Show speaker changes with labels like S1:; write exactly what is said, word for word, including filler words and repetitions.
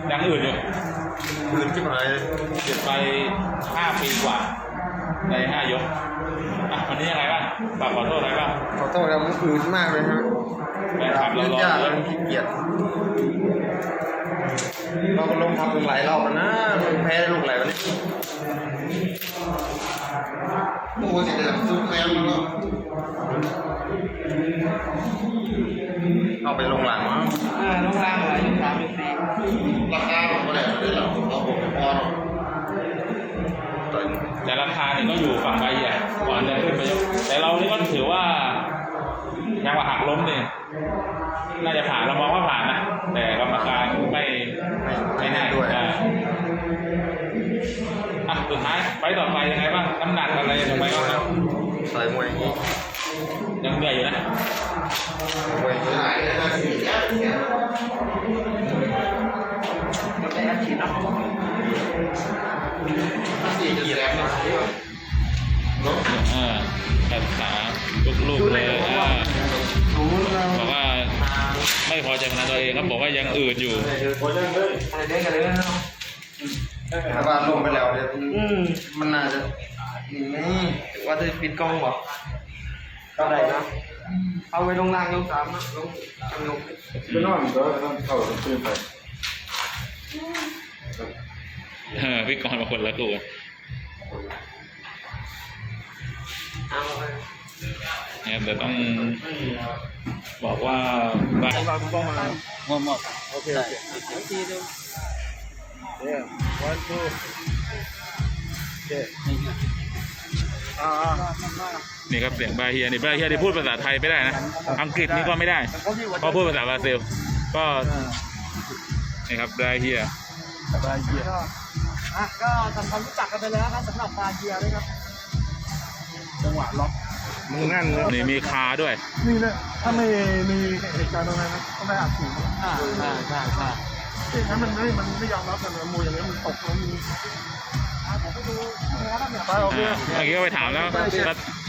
S1: ยังอื่นอยู่
S2: อื่นที่หมาย
S1: หยุดไปห้าปีกว่าในห้ายกอ่ะวันนี้ยังไงบ้างฝากขอโทษอะไรบ้าง
S2: ขอโทษครับมันอื่นมากเลยครับ
S1: แฟนคลับเรารอเยอะ
S2: ขี้เกียจเราก็ลงทำหลายรอบแล้วนะมันแพ้ลูกไหลวันนี้โอ้ยเดี๋ยวซุปแมวแล้วเอาไปลงหลังมั้ง
S3: อ่าลงล่างอะไรอยู่สามอยู่สี่
S2: ราคาผมก็ได้เลยเราเราผมพอ
S1: แต่ราคาเนี่ยก็อยู่ฝั่งใบใหญ่ก่อนจะขึ้นไปยกแต่เรานี่ก็ถือว่ายังว่าหักล้มเนี่ยน่าจะผ่านเรามองว่าผ่านนะแต่กรรมการไม่ไม่แน่ด้วยอ่ะสุดท้ายไปต่อไปยังไงบ้างน้ำหนักอะไรยังไงบ้างครับ
S2: ใส่มวยอย่างนี้
S1: ยังเหนื่อยอยู่นะ
S2: มวยที่ไหนนะ
S3: จะไปอาชีพนะ
S2: สี่เกียร์นะ
S1: อ่าแขนขาลูกๆเลยอ่าบอกว่าไม่พอใจพนันตัวเองครับบอกว่ายังอืดอยู่
S3: อะไรเด้งกันเลยนะ
S2: ถ้าบ้านลงไปแล้วเนี่ยมันน่าจะนี่
S3: ว่าจะปิดกล้องบอกก็ได้นะเอาไว้ลงล่างยกสามนะลงทำลง
S2: ไม่นอนก็ต้องเข้าตื่นไป
S1: เออพี่กรณ์มาคนละตัว
S3: เอา
S1: เนี่ยแต่ต้องบอกว่าบ้าน
S3: เราดูกล้องมา
S1: หมดหมด
S3: โอเคโอเคโอเคดูเดี๋ยววันทูโอเคอ่า
S1: นี่ครับเสียงบาเฮียนี่บาเฮียที่พูดภาษาไทยไม่ได้นะอังกฤษนี่ก็ไม่ได้เพราะพูดภาษาบราซิลก็นี่ครับบาเฮีย
S3: บาเฮียอ่ะก็ทำความรู้จักกันไปแล้วครับสำหรับบาเฮียด้วยครับจังหวะล็อก
S2: มึงนั่นเลย
S1: นี่มีคาด้วย
S3: นี่นะถ้าไม่มีเหตุการณ์ตรงนั้นนะก็ไม่อาจถึงอ่าใช่ใช่ใช่ที่นั้นมันไม่มันไม่ยอมรับกันเลยมวยอย่างนี้มันตกแล้วมีผมไปดูนะครับเนี่ยไปโอเค
S1: เมื่อกี้ก็ไปถามแล้ว